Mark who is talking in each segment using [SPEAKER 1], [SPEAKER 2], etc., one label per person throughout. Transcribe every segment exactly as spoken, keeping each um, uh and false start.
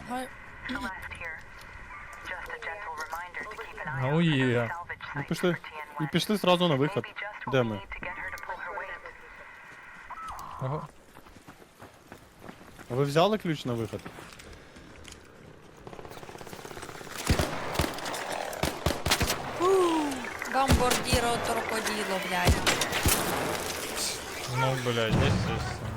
[SPEAKER 1] Ага.
[SPEAKER 2] Ну є.
[SPEAKER 3] І пішли, і пішли зразу на вихід. Де ми?
[SPEAKER 2] Ага.
[SPEAKER 3] А ви взяли ключ на вихід?
[SPEAKER 1] Бомбардіро торподіло, блядь.
[SPEAKER 2] Ну, блядь, естественно.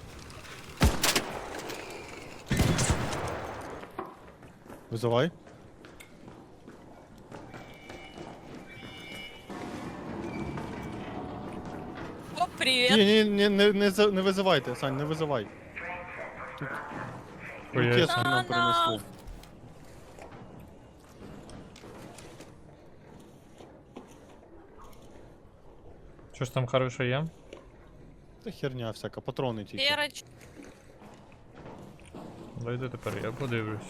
[SPEAKER 3] Визивай.
[SPEAKER 1] О, привіт.
[SPEAKER 3] Ні, ні, ні, не, не, за- не визивайте, Сань, не визивай. Тут
[SPEAKER 2] Хуєць.
[SPEAKER 3] кески нам принесли.
[SPEAKER 2] Що ж там хороше є?
[SPEAKER 3] Та херня всяка, патрони тільки.
[SPEAKER 1] Переч.
[SPEAKER 2] Дайте тепер, я подивлюся.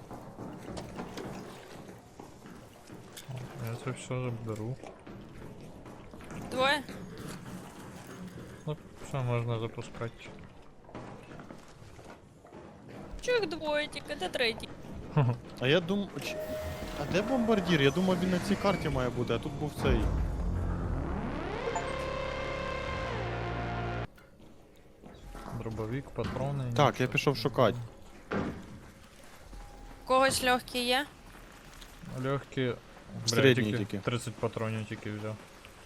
[SPEAKER 2] О, я це все заберу.
[SPEAKER 1] Двоє.
[SPEAKER 2] Ну, все можна запускати.
[SPEAKER 1] Чого їх двоє тільки, де третій?
[SPEAKER 3] А я думав... А де бомбардір? Я думав, він на цій карті має бути, а тут був цей.
[SPEAKER 2] Дробовик, патрони.
[SPEAKER 3] Так, я пішов шукати.
[SPEAKER 1] У когось легкі є?
[SPEAKER 2] Легкі.
[SPEAKER 3] Середні тільки.
[SPEAKER 2] тридцять патронів тільки взяв.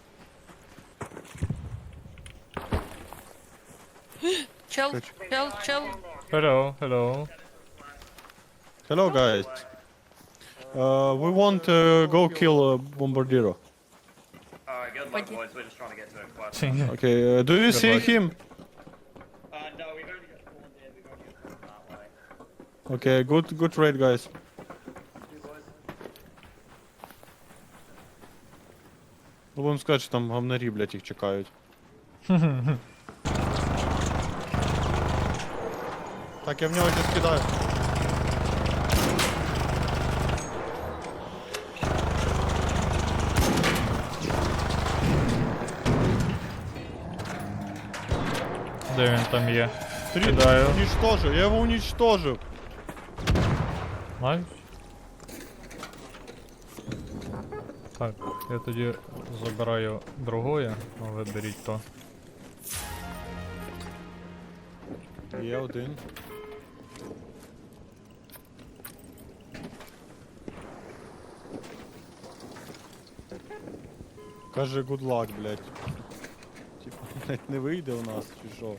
[SPEAKER 1] Чел,
[SPEAKER 3] Хоч.
[SPEAKER 1] чел, чел.
[SPEAKER 2] Hello, hello.
[SPEAKER 3] Hello, guys. Uh, we want to go kill uh, Bombardiro.
[SPEAKER 4] Alright, good luck,
[SPEAKER 1] Pode-
[SPEAKER 4] boys. We're just trying to get to a quest.
[SPEAKER 3] Okay, uh, do you
[SPEAKER 2] Good
[SPEAKER 3] see
[SPEAKER 2] luck.
[SPEAKER 3] him?
[SPEAKER 4] Uh, no, we've only got one here. We've only got one that way.
[SPEAKER 3] Okay, good, good raid, guys.
[SPEAKER 4] You boys?
[SPEAKER 3] Ну, будемо сказати, що там гамнарі, блядь, їх чекають. Так, я в нього щось кидаю.
[SPEAKER 2] Де він там є?
[SPEAKER 3] Три,
[SPEAKER 2] Кидаю.
[SPEAKER 3] уничтожив, я його уничтожив.
[SPEAKER 2] Найс. Так, я тоді забираю другое, а ви беріть то.
[SPEAKER 3] Є один. Каже, good luck, блядь. Типа, блядь, не вийде у нас, чи що?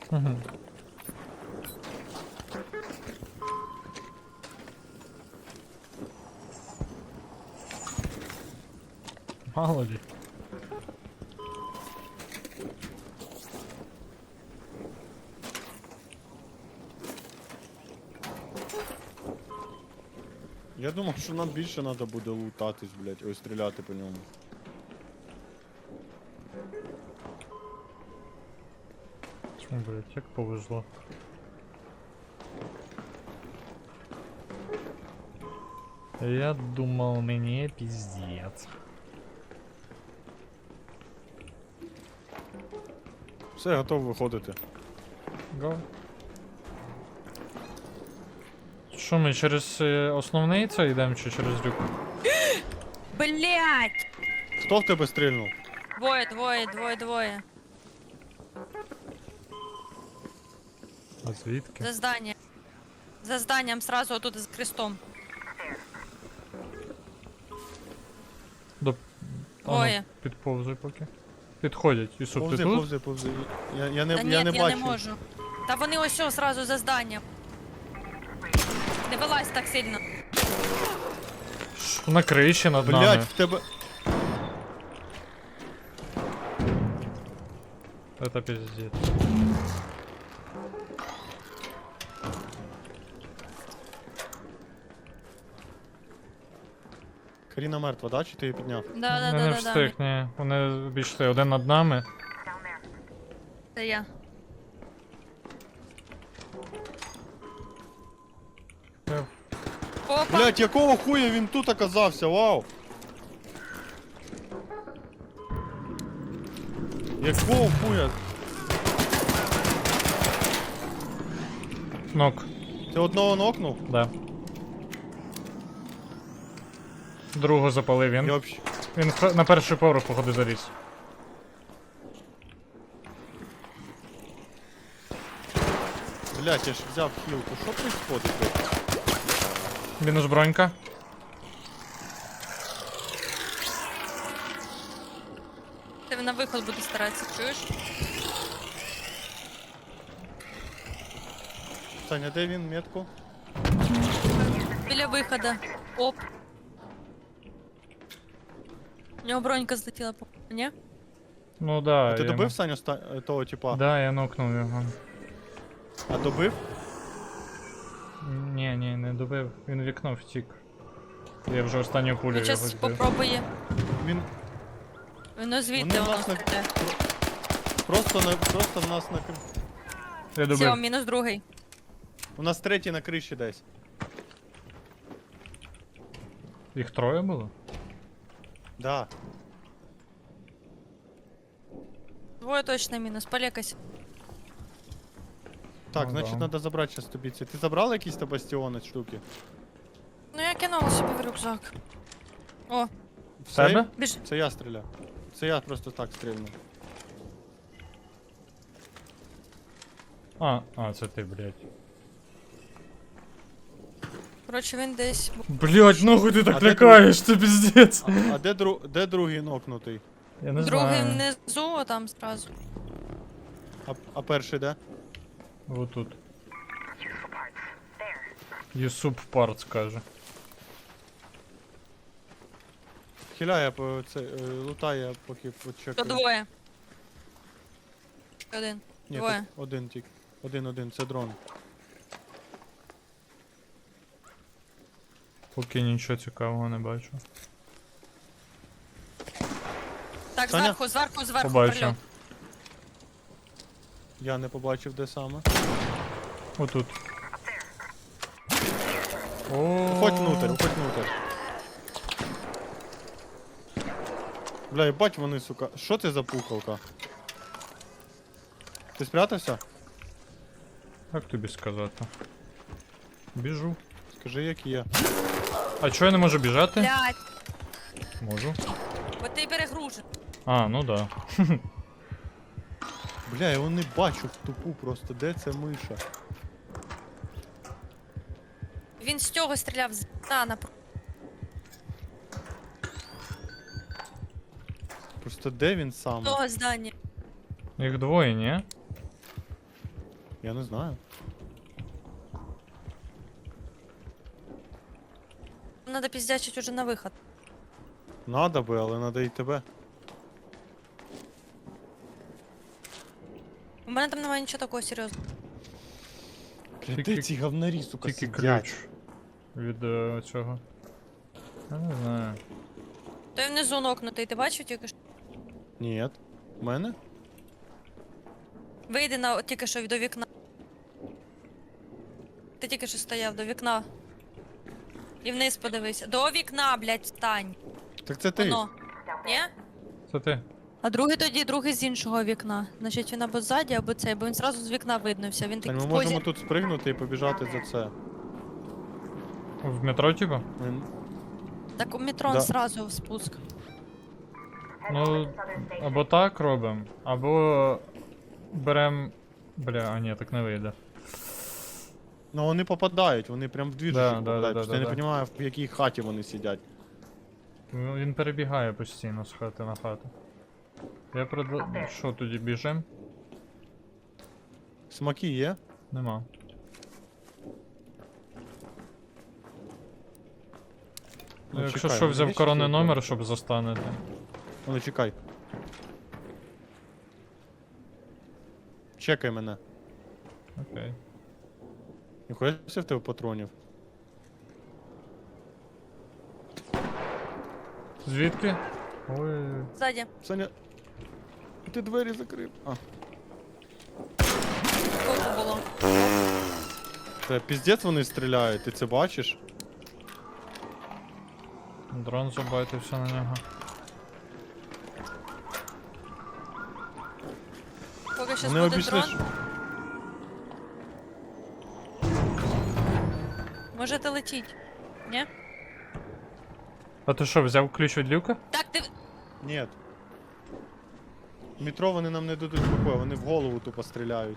[SPEAKER 2] Мало ли.
[SPEAKER 3] Я думав, що нам більше треба буде лутатись, блядь, ой, стріляти по ньому.
[SPEAKER 2] Чому, блядь, як повезло. Я думал, мне пиздец.
[SPEAKER 3] Все, готов виходити.
[SPEAKER 2] Го. Що ми через е, основний це йдемо чи через люк?
[SPEAKER 1] Блять!
[SPEAKER 3] Хто в тебе стрільнув?
[SPEAKER 1] Двоє, двоє, двоє, двоє.
[SPEAKER 2] А звідки?
[SPEAKER 1] За здання. За зданням сразу отут з крестом.
[SPEAKER 2] До... А, ну,
[SPEAKER 1] Двоє.
[SPEAKER 2] підповзуй поки. Підходять. Ісуп, ти
[SPEAKER 3] Повзи,
[SPEAKER 2] тут?
[SPEAKER 3] повзи, повзи. Я, я не,
[SPEAKER 1] Та ні,
[SPEAKER 3] я
[SPEAKER 1] я
[SPEAKER 3] не
[SPEAKER 1] не,
[SPEAKER 3] бачу.
[SPEAKER 1] можу. Та вони ось ось сразу за зданням. Не вилазь так сильно.
[SPEAKER 2] Ш- На криші над
[SPEAKER 3] Блять,
[SPEAKER 2] нами.
[SPEAKER 3] в тебе.
[SPEAKER 2] Это пиздец.
[SPEAKER 3] Каріна мертва, да? Чи ти її підняв?
[SPEAKER 1] Да, да,
[SPEAKER 2] Я
[SPEAKER 1] да,
[SPEAKER 2] не
[SPEAKER 1] да,
[SPEAKER 2] встиг,
[SPEAKER 1] да.
[SPEAKER 2] ні. Вони обійшли один над нами.
[SPEAKER 1] Це я.
[SPEAKER 2] Я
[SPEAKER 1] Опа!
[SPEAKER 3] Блять, якого хуя він тут оказався, вау! Якого хуя?
[SPEAKER 2] Нок.
[SPEAKER 3] Ти одного нокнув?
[SPEAKER 2] Да. Другу запалив
[SPEAKER 3] Я
[SPEAKER 2] він.
[SPEAKER 3] вообще...
[SPEAKER 2] Він х- на перший поверх, походу, заліз.
[SPEAKER 3] Блять, я ж взяв хілку. Що происходит тут?
[SPEAKER 2] Мінус бронька.
[SPEAKER 1] Ти на виход буде старатися, чуєш?
[SPEAKER 3] Саня, де він метку?
[SPEAKER 1] Біля виходу. Оп. У нього бронька злетіла, по ні?
[SPEAKER 2] Ну да.
[SPEAKER 3] А ти
[SPEAKER 2] я
[SPEAKER 3] добив
[SPEAKER 2] м-
[SPEAKER 3] Саню ста... е, того типа?
[SPEAKER 2] Да, я нокнув його.
[SPEAKER 3] А добив?
[SPEAKER 2] Ні, ні, не добив. Він в вікно втік. Я вже останню пулю
[SPEAKER 1] Він
[SPEAKER 2] його
[SPEAKER 1] зараз
[SPEAKER 2] збив.
[SPEAKER 1] попробує.
[SPEAKER 3] Він
[SPEAKER 1] Воно звідти
[SPEAKER 3] Вони
[SPEAKER 1] воно
[SPEAKER 3] нас на-
[SPEAKER 1] стріляє.
[SPEAKER 3] просто на просто в нас на кр-
[SPEAKER 2] Я
[SPEAKER 1] Все,
[SPEAKER 2] добив.
[SPEAKER 1] мінус другий.
[SPEAKER 3] У нас третій на криші десь.
[SPEAKER 2] Їх троє було?
[SPEAKER 3] Да.
[SPEAKER 1] Двоє точно мінус, полякайся.
[SPEAKER 3] Так,
[SPEAKER 2] Ну
[SPEAKER 3] значить
[SPEAKER 2] да.
[SPEAKER 3] треба забрати зараз тобі ці. Ти забрав якісь та бастіони штуки?
[SPEAKER 1] Ну я кинула собі в рюкзак. О,
[SPEAKER 2] В тебе?
[SPEAKER 1] біж.
[SPEAKER 3] Це я стріляв. Це я просто так стрільнув.
[SPEAKER 2] А, а, це ти, блядь.
[SPEAKER 1] Коротше, він десь.
[SPEAKER 2] Блядь, нахуй ти
[SPEAKER 3] А
[SPEAKER 2] так
[SPEAKER 3] де
[SPEAKER 2] лякаєш, це піздець.
[SPEAKER 3] А, а де, дру... де другий нокнутий?
[SPEAKER 2] Я не
[SPEAKER 1] Другий
[SPEAKER 2] знаю.
[SPEAKER 1] внизу, а там зразу.
[SPEAKER 3] А, а перший де?
[SPEAKER 2] Вот тут. Юсуп парт каже.
[SPEAKER 3] Хиляє по це е, лутає, поки
[SPEAKER 1] То
[SPEAKER 3] почекаю.
[SPEAKER 1] двоє. Один.
[SPEAKER 3] Ні,
[SPEAKER 1] двоє.
[SPEAKER 3] тут один тільки. Один-один, це дрон.
[SPEAKER 2] Поки нічого цікавого не бачу.
[SPEAKER 1] Так,
[SPEAKER 3] Саня?
[SPEAKER 1] зверху, зверху, зверху.
[SPEAKER 2] Побачу.
[SPEAKER 1] прильот.
[SPEAKER 3] Я не побачив, де саме.
[SPEAKER 2] Отут.
[SPEAKER 3] Уходь внутрь, уходь внутрь. Бля, ебать вони, сука. Що це за пухалка? Ти спрятався?
[SPEAKER 2] Як тобі сказати? Біжу.
[SPEAKER 3] Скажи, як є.
[SPEAKER 2] А чого я не можу біжати?
[SPEAKER 1] Блядь,
[SPEAKER 2] Можу.
[SPEAKER 1] бо ти перегружен.
[SPEAKER 2] А, ну да.
[SPEAKER 3] Бля, я його не бачу в тупу просто. Де ця миша?
[SPEAKER 1] Він з цього стріляв з та на
[SPEAKER 3] Просто де він саме?
[SPEAKER 1] того здання.
[SPEAKER 2] Їх двоє, ні?
[SPEAKER 3] Я не знаю.
[SPEAKER 1] Надо піздячить уже на виход.
[SPEAKER 3] Надо би, але надо і тебе.
[SPEAKER 1] У мене там немає нічого такого серйозного.
[SPEAKER 3] Бля,
[SPEAKER 2] Тільки-
[SPEAKER 3] де ці говнарі, сука,
[SPEAKER 2] Тільки
[SPEAKER 3] сидять?
[SPEAKER 2] ключ. Від е, цього. Я не знаю.
[SPEAKER 1] Той внизу нокнутий, ти бачив тільки що?
[SPEAKER 3] Ні. У мене?
[SPEAKER 1] Вийди на тільки що до вікна. Ти тільки що стояв до вікна. І вниз подивися. До вікна, блядь, встань.
[SPEAKER 3] Так це ти.
[SPEAKER 1] Воно. Ні?
[SPEAKER 2] Це ти.
[SPEAKER 1] А другий тоді, другий з іншого вікна. Значить він або ззаді, або цей, бо він зразу з вікна виднувся. Він
[SPEAKER 3] Тань,
[SPEAKER 1] такий
[SPEAKER 3] ми
[SPEAKER 1] в
[SPEAKER 3] можемо
[SPEAKER 1] позі.
[SPEAKER 3] тут спригнути і побіжати за це.
[SPEAKER 2] В метро, типа?
[SPEAKER 3] Ми-
[SPEAKER 1] Так у метро
[SPEAKER 3] Да.
[SPEAKER 1] зразу в спуск.
[SPEAKER 2] Ну, або так робимо, або берем. Бля, а ні, так не вийде.
[SPEAKER 3] Ну вони попадають, вони прям в двіжу
[SPEAKER 2] Да, да,
[SPEAKER 3] попадають.
[SPEAKER 2] да,
[SPEAKER 3] Просто
[SPEAKER 2] да,
[SPEAKER 3] я
[SPEAKER 2] да.
[SPEAKER 3] не розумію, в якій хаті вони сидять.
[SPEAKER 2] Ну, він перебігає постійно з хати на хату. Я предла... Що, тоді біжим?
[SPEAKER 3] Смаки є?
[SPEAKER 2] Нема.
[SPEAKER 3] Ну,
[SPEAKER 2] Якщо
[SPEAKER 3] чекай,
[SPEAKER 2] що,
[SPEAKER 3] вони
[SPEAKER 2] взяв
[SPEAKER 3] є
[SPEAKER 2] коронний
[SPEAKER 3] ще
[SPEAKER 2] номер, щоб застанете.
[SPEAKER 3] Ну чекай. Чекай мене.
[SPEAKER 2] Окей.
[SPEAKER 3] Ніхуя в тебе патронів.
[SPEAKER 2] Звідки? Ой.
[SPEAKER 1] Ззаді.
[SPEAKER 3] Саня. Ти двері закрив. А.
[SPEAKER 1] Скільки було?
[SPEAKER 3] Це піздець вони стріляють, ти це бачиш?
[SPEAKER 2] Дрон забайтився на нього.
[SPEAKER 1] Поки щас
[SPEAKER 3] Вони
[SPEAKER 1] буде
[SPEAKER 3] обійшли.
[SPEAKER 1] дрон. Можете летіть. Ні?
[SPEAKER 2] А ти що, взяв ключ від люка?
[SPEAKER 1] Так, ти.
[SPEAKER 3] Ні. В метро вони нам не дадуть покою, вони в голову тупо стріляють.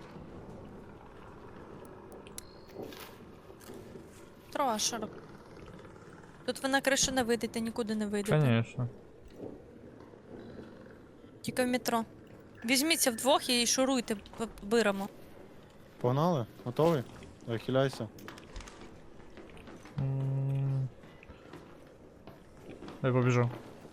[SPEAKER 1] Трошер. Тут ви на кришу не вийдете, нікуди не вийдете.
[SPEAKER 2] Конечно.
[SPEAKER 1] Тільки в метро. Візьміться вдвох і шуруйте, п- биремо.
[SPEAKER 3] Погнали? Готовий? Давай, хиляйся.
[SPEAKER 2] М. Я побіжу.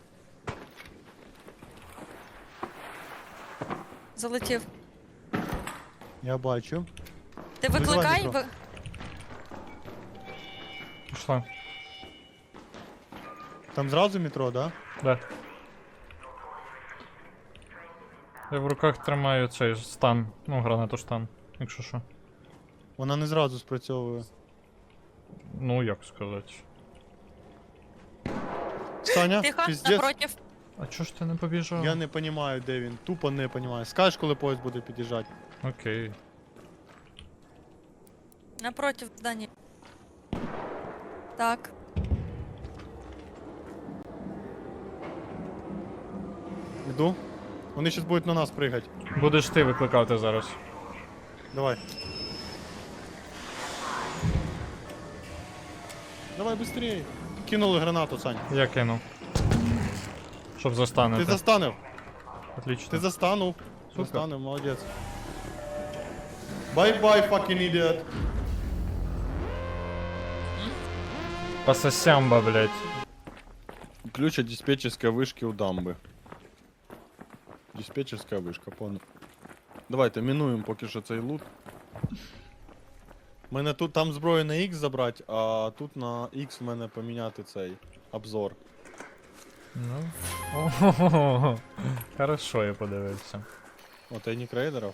[SPEAKER 1] Залетів.
[SPEAKER 3] Я бачу.
[SPEAKER 1] Ти
[SPEAKER 3] Визивай
[SPEAKER 1] викликай.
[SPEAKER 3] метро.
[SPEAKER 1] Ви...
[SPEAKER 2] Пішла.
[SPEAKER 3] Там зразу метро, да?
[SPEAKER 2] Да. Я в руках тримаю цей стан. Ну, гранату стан, якщо що.
[SPEAKER 3] Вона не зразу спрацьовує.
[SPEAKER 2] Ну, як сказати.
[SPEAKER 3] Саня,
[SPEAKER 1] Тихо,
[SPEAKER 3] пиздец.
[SPEAKER 1] напротив.
[SPEAKER 2] А чого ж ти не побіжав?
[SPEAKER 3] Я не розумію, де він. Тупо не розумію. Скажеш, коли поїзд буде під'їжджати.
[SPEAKER 2] Окей.
[SPEAKER 1] Напротив здання. Так.
[SPEAKER 3] Іду. Вони зараз будуть на нас пригати.
[SPEAKER 2] Будеш ти викликати зараз.
[SPEAKER 3] Давай. Давай быстрее. Кинули гранату, Сань.
[SPEAKER 2] Я кину. Щоб застанете.
[SPEAKER 3] Ти застанив.
[SPEAKER 2] Отлично.
[SPEAKER 3] Ти застанув.
[SPEAKER 2] Супер.
[SPEAKER 3] Застанив, молодець. Bye-bye, fucking idiot.
[SPEAKER 2] По сосямба, блядь.
[SPEAKER 3] Ключ от диспетчерской вышки у дамби. Диспетчерська вишка, понял. Давайте мінуємо поки що цей лут. Мене тут там зброю на X забрати, а тут на X в мене поміняти цей обзор.
[SPEAKER 2] Ну. Ого. Хорошо, я подивився.
[SPEAKER 3] О, тайник рейдерів.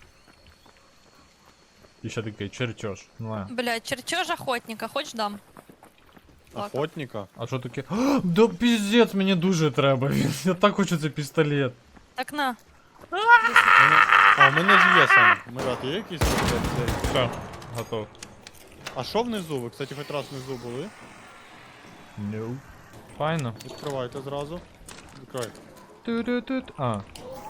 [SPEAKER 2] І ще такий чертеж. Ну, а.
[SPEAKER 1] Блядь, чертеж охотника, хоч дам. Так.
[SPEAKER 3] Охотника.
[SPEAKER 2] А що таке? А, да піздець, мені дуже треба. Він- Я так хочу цей пістолет.
[SPEAKER 1] Так на.
[SPEAKER 3] А, у мене ж є сам. Мират, є якийсь цей?
[SPEAKER 2] Все, готов.
[SPEAKER 3] А що внизу? Ви, кстати, хоч раз внизу були?
[SPEAKER 2] No. Файно.
[SPEAKER 3] Відкривайте зразу. Відкривайте.
[SPEAKER 2] Ту-ду-тут. А.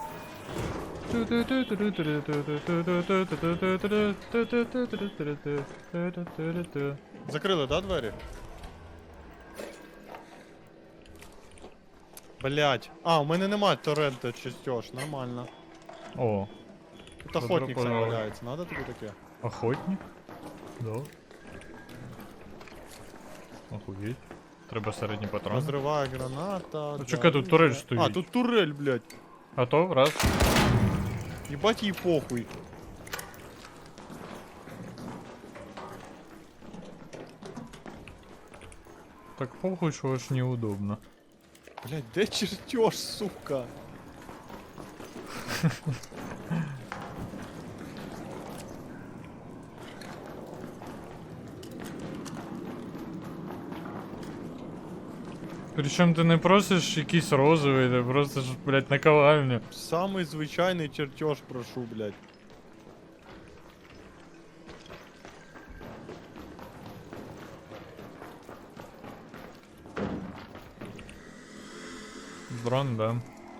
[SPEAKER 3] Закрили, да, двері? Блять. А, у мене немає торрента частеж, нормально.
[SPEAKER 2] О,
[SPEAKER 3] Тут охотник сам
[SPEAKER 2] Добро
[SPEAKER 3] валяється, надо тобі таке?
[SPEAKER 2] охотник? Да. Охуеть. Треба середній патрон.
[SPEAKER 3] Розриває граната.
[SPEAKER 2] Ну, чекай, тут турель стоїть.
[SPEAKER 3] А, тут турель, блять.
[SPEAKER 2] Готов? Раз.
[SPEAKER 3] Ебать їй похуй.
[SPEAKER 2] Так похуй, що аж неудобно.
[SPEAKER 3] Блять, де чертеж, сука?
[SPEAKER 2] Причому ти не просиш якийсь розовий, ти просиш, блядь, наковальню.
[SPEAKER 3] Самий звичайний чертеж прошу, блять.
[SPEAKER 2] Дрон, да.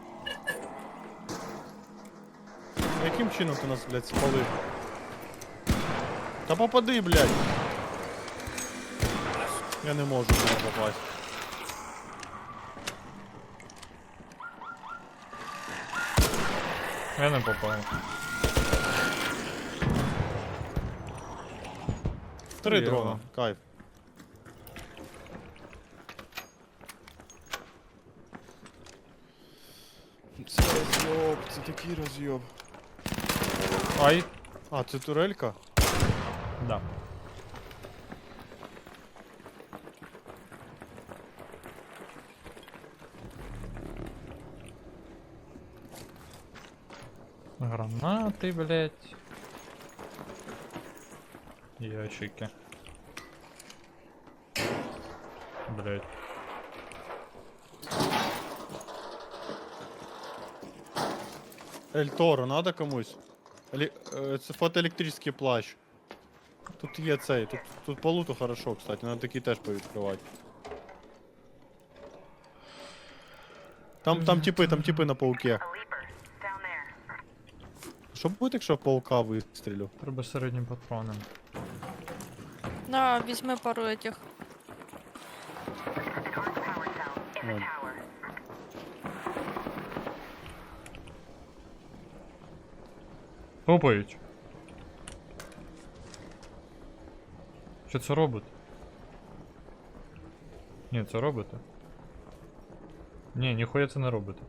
[SPEAKER 3] Яким чином ти нас, блять, спалив? Та попади, блять. Я не можу в нього попасть.
[SPEAKER 2] Я не попав.
[SPEAKER 3] Три
[SPEAKER 2] Єва.
[SPEAKER 3] дрона, кайф. Це розйоб, це такий розйоб.
[SPEAKER 2] Ай.
[SPEAKER 3] А, це турелька?
[SPEAKER 2] Да. Гранаты, блядь. Ящики. Блядь.
[SPEAKER 3] Ель Торо, надо комусь? Елі... е, Це фотоелектричний плащ. Тут є цей, тут, тут по луту хорошо, кстати, надо такий теж повідкривати. Там, там типи, там типи на пауке. Що буде, якщо в паука вистрілю?
[SPEAKER 2] Треба середнім патроном.
[SPEAKER 1] На, візьми пару этих.
[SPEAKER 3] Вон.
[SPEAKER 2] Топають. Що це робить? Ні, це робите. Ні, ніхуя це не робите.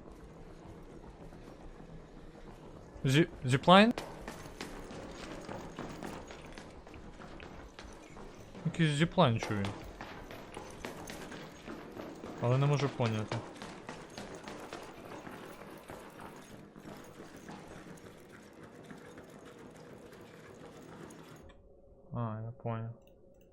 [SPEAKER 2] Зі... Зіплайн? Якийсь зіплайн чую. Але не можу поняти. А, я понял.